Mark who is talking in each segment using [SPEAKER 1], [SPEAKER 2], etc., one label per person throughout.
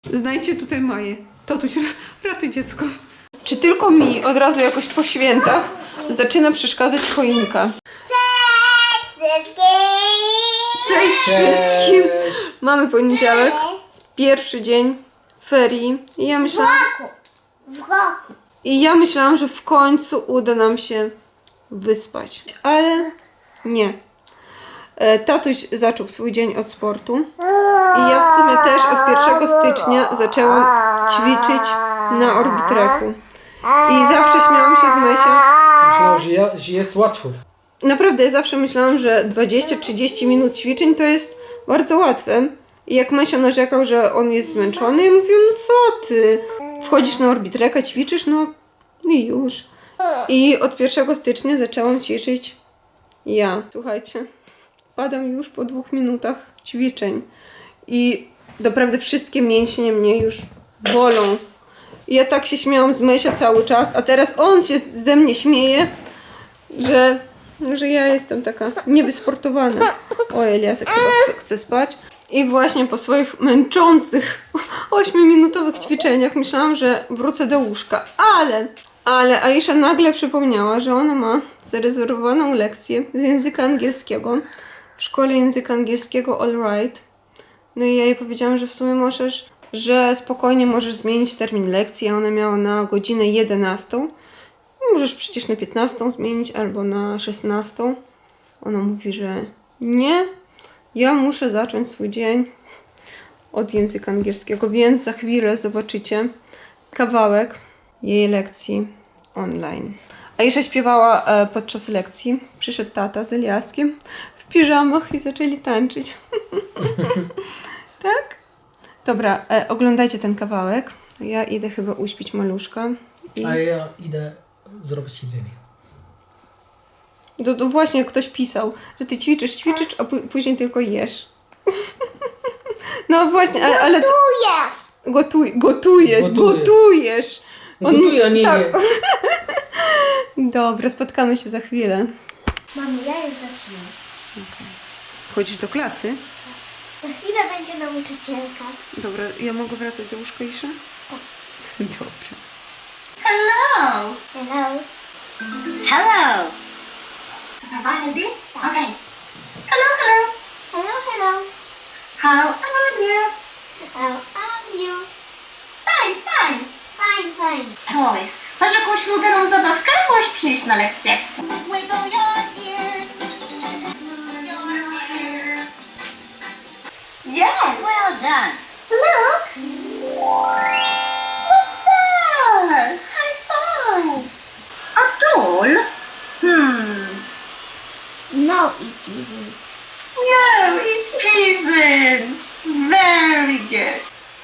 [SPEAKER 1] Znajdźcie tutaj Maję. Tatuś, ratuj dziecko. Czy tylko mi od razu jakoś po świętach zaczyna przeszkadzać choinka? Cześć wszystkim! Mamy poniedziałek, pierwszy dzień ferii i ja myślałam, że w końcu uda nam się wyspać, ale nie. Tatuś zaczął swój dzień od sportu i ja w sumie też od 1 stycznia zaczęłam ćwiczyć na Orbitreku. I zawsze śmiałam się z Mysia.
[SPEAKER 2] Myślał, że jest łatwo.
[SPEAKER 1] Naprawdę, ja zawsze myślałam, że 20-30 minut ćwiczeń to jest bardzo łatwe. I jak Mysio narzekał, że on jest zmęczony, ja mówiłam, no co ty? Wchodzisz na Orbitreka, ćwiczysz, no i już. I od 1 stycznia zaczęłam ćwiczyć ja. Słuchajcie, padam już po 2 minutach ćwiczeń. I naprawdę wszystkie mięśnie mnie już bolą. I ja tak się śmiałam z Mysia cały czas, a teraz on się ze mnie śmieje, że ja jestem taka niewysportowana. O, Eliasek chyba chce spać. I właśnie po swoich męczących 8-minutowych ćwiczeniach myślałam, że wrócę do łóżka. Ale Aisha nagle przypomniała, że ona ma zarezerwowaną lekcję z języka angielskiego w szkole języka angielskiego All Right. No i ja jej powiedziałam, że w sumie że spokojnie możesz zmienić termin lekcji, a ona miała na godzinę 11. Możesz przecież na 15 zmienić albo na 16. Ona mówi, że nie, ja muszę zacząć swój dzień od języka angielskiego, więc za chwilę zobaczycie kawałek jej lekcji online. Aisha śpiewała podczas lekcji. Przyszedł tata z Eliaskiem w piżamach i zaczęli tańczyć. Tak? Dobra, oglądajcie ten kawałek. Ja idę chyba uśpić maluszka.
[SPEAKER 2] A ja idę zrobić jedzenie.
[SPEAKER 1] To właśnie ktoś pisał, że ty ćwiczysz, a później tylko jesz. No właśnie, ale Gotujesz.
[SPEAKER 2] Gotuję, a nie
[SPEAKER 1] tak.
[SPEAKER 2] je.
[SPEAKER 1] Dobra, spotkamy się za chwilę.
[SPEAKER 3] Mamo, ja już zaczynam.
[SPEAKER 1] Okay. Chodzisz do klasy?
[SPEAKER 3] Za chwilę będzie nauczycielka.
[SPEAKER 1] Dobra, ja mogę wracać do łóżka, Isza? Dobra.
[SPEAKER 4] Hello.
[SPEAKER 3] Hello.
[SPEAKER 4] Hello. Okay. Hello, hello.
[SPEAKER 3] Hello, hello.
[SPEAKER 4] How are you?
[SPEAKER 3] How are you?
[SPEAKER 4] Fine, fine.
[SPEAKER 3] Fine, fine.
[SPEAKER 4] Toys. Masz jakąś ulubioną zabawkę? Możesz przyjść na lekcję. Wiggle your ears. Move your ears. Yes. Well done. Look. What's that? High five. A doll?
[SPEAKER 3] No, it isn't.
[SPEAKER 4] No, it isn't. Very good.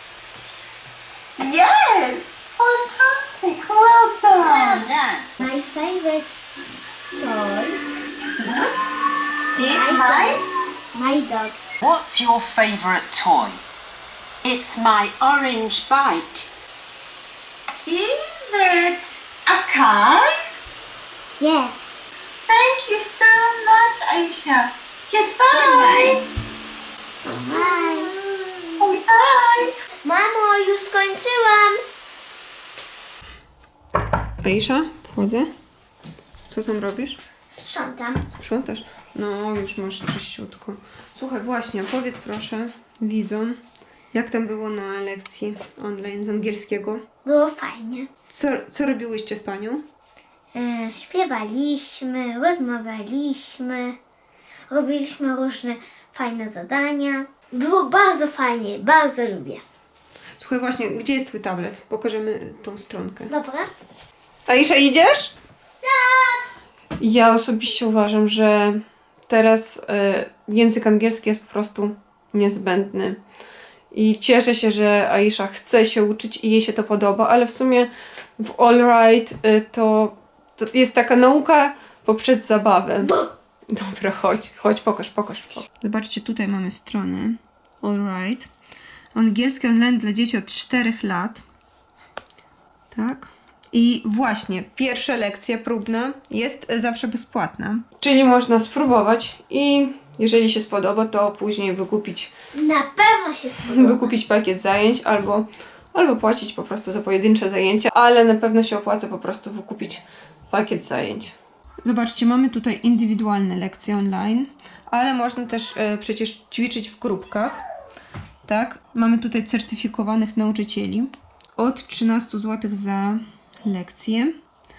[SPEAKER 4] Yes. Fantastic. Well done. Well done.
[SPEAKER 3] My favorite toy is
[SPEAKER 4] It's mine.
[SPEAKER 3] my dog.
[SPEAKER 5] What's your favourite toy?
[SPEAKER 6] It's my orange bike.
[SPEAKER 4] Is it a car?
[SPEAKER 3] Yes.
[SPEAKER 4] Thank you so much, Aisha. Goodbye.
[SPEAKER 3] Bye.
[SPEAKER 4] Bye.
[SPEAKER 3] Mamo, już skończyłam.
[SPEAKER 1] Aisha, wchodzę. Co tam robisz?
[SPEAKER 3] Sprzątam.
[SPEAKER 1] Sprzątasz? No, już masz czyściutko. Słuchaj, właśnie, powiedz proszę widzom, jak tam było na lekcji online z angielskiego?
[SPEAKER 3] Było fajnie.
[SPEAKER 1] Co robiłyście z panią?
[SPEAKER 3] Śpiewaliśmy, rozmawialiśmy, robiliśmy różne fajne zadania. Było bardzo fajnie, bardzo lubię.
[SPEAKER 1] Słuchaj, właśnie, gdzie jest twój tablet? Pokażemy tą stronkę.
[SPEAKER 3] Dobra?
[SPEAKER 1] Aisha, idziesz? Tak! Ja osobiście uważam, że teraz język angielski jest po prostu niezbędny. I cieszę się, że Aisha chce się uczyć i jej się to podoba, ale w sumie w All Right to jest taka nauka poprzez zabawę. Dobra, chodź, pokaż. Zobaczcie, tutaj mamy stronę All Right. Angielski online dla dzieci od 4 lat. Tak? I właśnie, pierwsza lekcja próbna jest zawsze bezpłatna. Czyli można spróbować i Jeżeli się spodoba, to później
[SPEAKER 3] Na pewno się spodoba.
[SPEAKER 1] wykupić pakiet zajęć albo płacić po prostu za pojedyncze zajęcia, ale na pewno się opłaca po prostu wykupić pakiet zajęć. Zobaczcie, mamy tutaj indywidualne lekcje online, ale można też przecież ćwiczyć w grupkach. Tak? Mamy tutaj certyfikowanych nauczycieli od 13 zł za lekcję.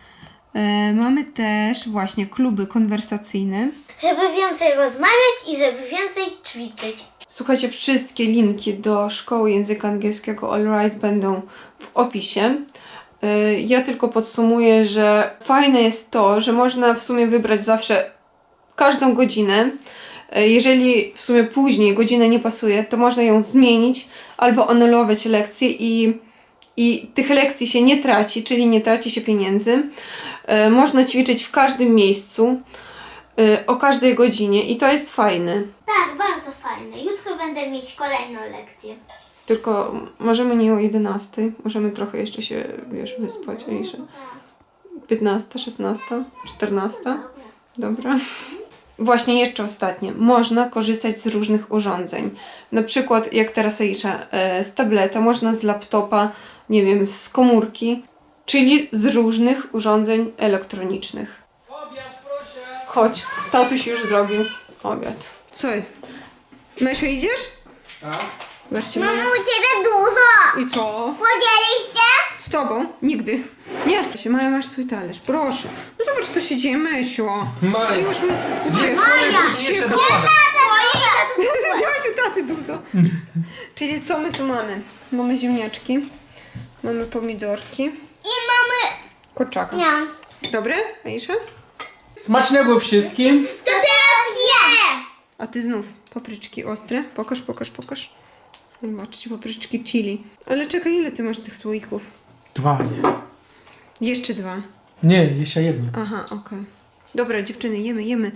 [SPEAKER 1] Mamy też właśnie kluby konwersacyjne.
[SPEAKER 3] Żeby więcej rozmawiać i żeby więcej ćwiczyć.
[SPEAKER 1] Słuchajcie, wszystkie linki do szkoły języka angielskiego Allright będą w opisie. Ja tylko podsumuję, że fajne jest to, że można w sumie wybrać zawsze każdą godzinę. Jeżeli w sumie później godzina nie pasuje, to można ją zmienić albo anulować lekcje i tych lekcji się nie traci, czyli nie traci się pieniędzy. Można ćwiczyć w każdym miejscu, o każdej godzinie i to jest fajne.
[SPEAKER 3] Tak, bardzo fajne. Jutro będę mieć kolejną lekcję.
[SPEAKER 1] Tylko możemy nie o 11, możemy trochę jeszcze się, wyspać. 15, 16, 14. Dobra. Właśnie jeszcze ostatnie. Można korzystać z różnych urządzeń. Na przykład, jak teraz Aisha, z tableta, można z laptopa, nie wiem, z komórki, czyli z różnych urządzeń elektronicznych.
[SPEAKER 2] Obiad, proszę.
[SPEAKER 1] Chodź, tatuś już zrobił obiad. Co jest? Mysio, idziesz?
[SPEAKER 2] Tak.
[SPEAKER 1] Zobaczcie,
[SPEAKER 3] u Ciebie dużo!
[SPEAKER 1] I co?
[SPEAKER 3] Podzieliście?
[SPEAKER 1] Z tobą? Nigdy. Nie. Maja, masz swój talerz, proszę. No zobacz, co się dzieje, Mysio.
[SPEAKER 2] Maja.
[SPEAKER 1] Już mi...
[SPEAKER 2] Jeszcze dokładać.
[SPEAKER 1] Wziąłeś u taty dużo. Czyli co my tu mamy? Mamy ziemniaczki, mamy pomidorki,
[SPEAKER 3] I mamy...
[SPEAKER 1] kurczaka.
[SPEAKER 3] Nie.
[SPEAKER 1] Dobre, Aisha?
[SPEAKER 2] Smacznego wszystkim.
[SPEAKER 3] To teraz je!
[SPEAKER 1] A ty znów papryczki ostre. Pokaż. Zobaczcie, papryczki chili. Ale czekaj, ile ty masz tych słoików?
[SPEAKER 2] 2.
[SPEAKER 1] Jeszcze 2.
[SPEAKER 2] Nie, jeszcze jedno.
[SPEAKER 1] Aha, okej. Dobra, dziewczyny, jemy.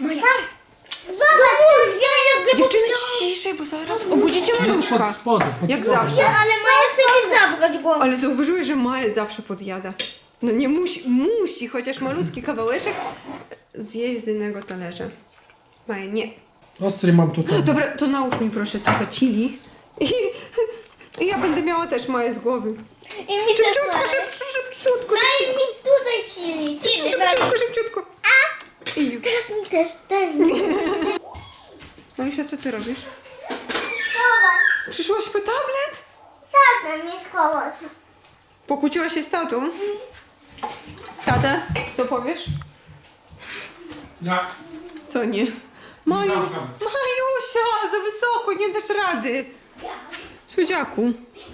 [SPEAKER 1] Dziewczyny, ciszej, bo zaraz obudzicie maluszka.
[SPEAKER 2] Pod spodem.
[SPEAKER 1] Jak zawsze.
[SPEAKER 3] Ale Maja chce mi zabrać głowę.
[SPEAKER 1] Ale zauważyłeś, że Maja zawsze podjada. No nie musi, chociaż malutki kawałeczek zjeść z innego talerza. Maja, nie.
[SPEAKER 2] Ostry mam tutaj.
[SPEAKER 1] Dobra, to nałóż mi proszę trochę chili. I ja będę miała też Maję z głowy.
[SPEAKER 3] I mi też
[SPEAKER 1] Szybciutko.
[SPEAKER 3] Daj mi tutaj chili.
[SPEAKER 1] Szybciutko. I już.
[SPEAKER 3] Teraz mi też. Daj mi.
[SPEAKER 1] Majusia, co ty robisz? Przyszłaś po tablet?
[SPEAKER 3] Tak, na mnie schować.
[SPEAKER 1] Pokłóciłaś się z tatą? Tata, co powiesz?
[SPEAKER 2] Ja.
[SPEAKER 1] Co nie? Majusia, za wysoko, nie dasz rady. Słodziaku.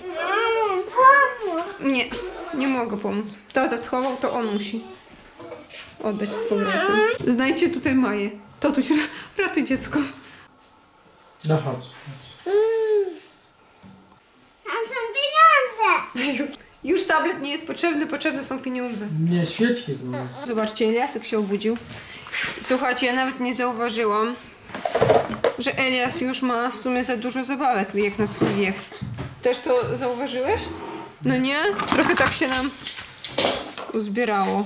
[SPEAKER 3] Pomóż.
[SPEAKER 1] Nie mogę pomóc. Tata schował, to on musi oddać z powrotem. Znajdźcie tutaj Maję. Tatuś, ratuj dziecko.
[SPEAKER 2] No chodź.
[SPEAKER 3] Tam są pieniądze.
[SPEAKER 1] Już tablet nie jest potrzebny, potrzebne są pieniądze.
[SPEAKER 2] Nie, świeczki znowu.
[SPEAKER 1] Zobaczcie, Eliasek się obudził. Słuchajcie, ja nawet nie zauważyłam, że Elias już ma w sumie za dużo zabawek, jak na swój wiek. Też to zauważyłeś? No nie? Trochę tak się nam uzbierało.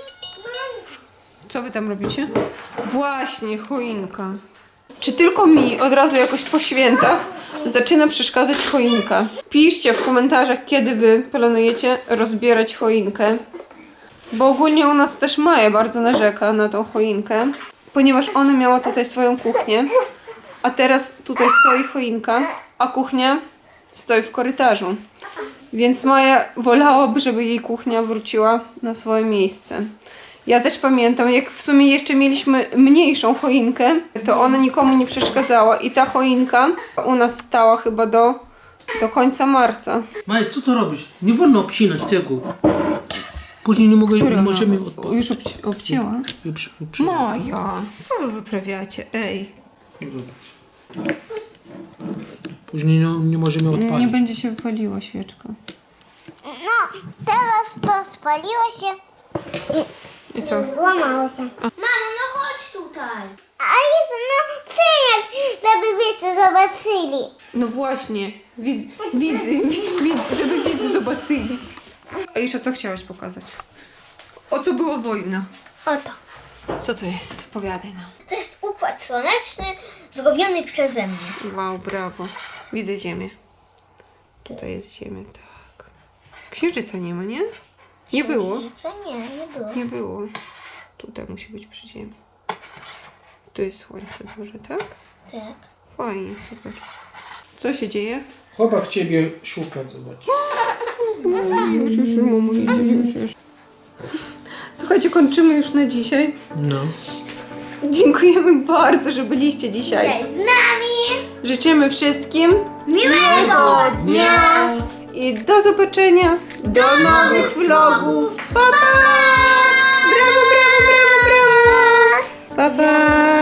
[SPEAKER 1] Co wy tam robicie? Właśnie, choinka. Czy tylko mi od razu jakoś po świętach zaczyna przeszkadzać choinka? Piszcie w komentarzach, kiedy wy planujecie rozbierać choinkę. Bo ogólnie u nas też Maja bardzo narzeka na tą choinkę, ponieważ ona miała tutaj swoją kuchnię, a teraz tutaj stoi choinka, a kuchnia stoi w korytarzu. Więc Maja wolałaby, żeby jej kuchnia wróciła na swoje miejsce. Ja też pamiętam, jak w sumie jeszcze mieliśmy mniejszą choinkę, to ona nikomu nie przeszkadzała i ta choinka u nas stała chyba do końca marca.
[SPEAKER 2] Maja, co to robisz? Nie wolno obcinać tego. Później nie możemy
[SPEAKER 1] Już obcięła?
[SPEAKER 2] Maja.
[SPEAKER 1] Maja, co wy wyprawiacie? Ej.
[SPEAKER 2] Zobacz. Później nie możemy odpalić.
[SPEAKER 1] Nie będzie się wypaliła świeczka.
[SPEAKER 3] No, teraz to spaliło się
[SPEAKER 1] I co?
[SPEAKER 3] i złamało się. Mamo, no chodź tutaj. A jest no synek, żeby wiecie zobaczyli.
[SPEAKER 1] No właśnie, widzy, żeby widzy zobaczyli. A jeszcze co chciałaś pokazać? O co była wojna?
[SPEAKER 3] Oto.
[SPEAKER 1] Co to jest? Powiadaj nam.
[SPEAKER 3] To jest układ układ słoneczny zrobiony przeze mnie.
[SPEAKER 1] Wow, brawo. Widzę Ziemię. Tutaj jest Ziemia, tak. Księżyca nie ma, nie? Nie było.
[SPEAKER 3] Co? Nie było.
[SPEAKER 1] Nie było. Tutaj musi być przy Ziemi. Tu jest słońce duże, tak?
[SPEAKER 3] Tak.
[SPEAKER 1] Fajnie, super. Co się dzieje?
[SPEAKER 2] Chłopak ciebie szuka, zobacz.
[SPEAKER 1] Już. Słuchajcie, kończymy już na dzisiaj.
[SPEAKER 2] No.
[SPEAKER 1] Dziękujemy bardzo, że byliście dzisiaj.
[SPEAKER 3] Cześć z nami.
[SPEAKER 1] Życzymy wszystkim
[SPEAKER 3] Miłego
[SPEAKER 1] dnia i do zobaczenia. Do nowych vlogów. Pa, pa! Brawo, brawo, brawo, brawo. Pa, pa!